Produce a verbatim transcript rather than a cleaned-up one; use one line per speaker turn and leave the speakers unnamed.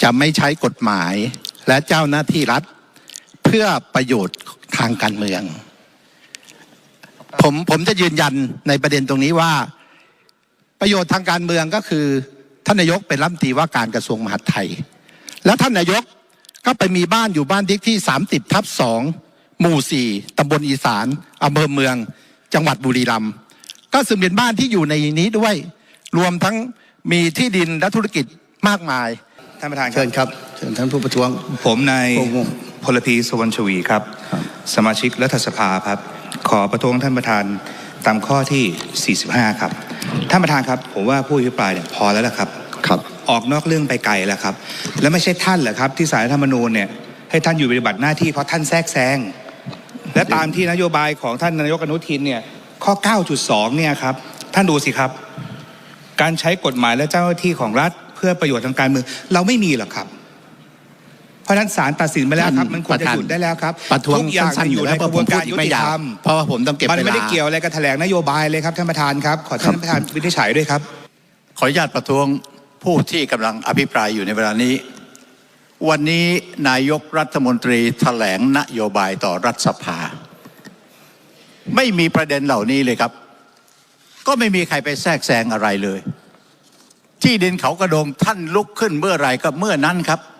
จะไม่ใช้กฎหมายและเจ้าหน้าที่รัฐเพื่อประโยชน์ทางการเมืองผมผมจะยืนยันในประเด็นตรงนี้ว่าประโยชน์ทางการเมืองก็คือท่านนายกเป็นรัฐมนตรีว่าการกระทรวงมหาดไทยแล้วท่านนายกก็ไปมีบ้านอยู่บ้านเลขที่สามสิบทับสองหมู่สี่ตำบลอีสานอำเภอเมืองจังหวัดบุรีรัมย์ก็ซึ่งเป็นบ้านที่อยู่ในนี้ด้วยรวมทั้งมีที่ดินและธุรกิจมากมาย
ท่านประธาน
เชิญครับเชิญท่านผู้ประท้วง
ผมนายพลพีสวรรณชวีครับสมาชิกรัฐสภาครับขอประท้วงท่านประธานตามข้อที่สี่สิบห้าครับท่านประธานครับผมว่าผู้อภิปรายเนี่ยพอแล้วล่ะครับ
ครับ
ออกนอกเรื่องไปไกลแล้วครับและไม่ใช่ท่านเหรอครับที่ศาลรัฐธรรมนูญเนี่ยให้ท่านอยู่ปฏิบัติหน้าที่เพราะท่านแทรกแซงและตามที่นโยบายของท่านนายกอนุทินเนี่ยข้อ เก้าจุดสอง เนี่ยครับท่านดูสิครับการใช้กฎหมายและเจ้าหน้าที่ของรัฐเพื่อประโยชน์ทางการเมืองเราไม่มีหรอกครับเพราะฉะนั้นศาลตัดสินไปแล้วครับมันควรจะหยุดได้แล้วครับทุกอย่างอยู่ในกระบวนการยุติธรรม
เพราะว่าผมต้องเก็บเวลา
มันไม่ได้เกี่ยวอะไรกับแถลงนโยบายเลยครับท่านประธานครับขอท่านประธานวินิจฉัยด้วยครับ
ขออนุญาตประท้วงผู้ที่กำลังอภิปรายอยู่ในเวลานี้วันนี้นายกรัฐมนตรีแถลงนโยบายต่อรัฐสภาไม่มีประเด็นเหล่านี้เลยครับก็ไม่มีใครไปแทรกแซงอะไรเลยที่ดินเขากระโดงท่านลุกขึ้นเมื่อไหร่ก็เมื่อนั้นครับ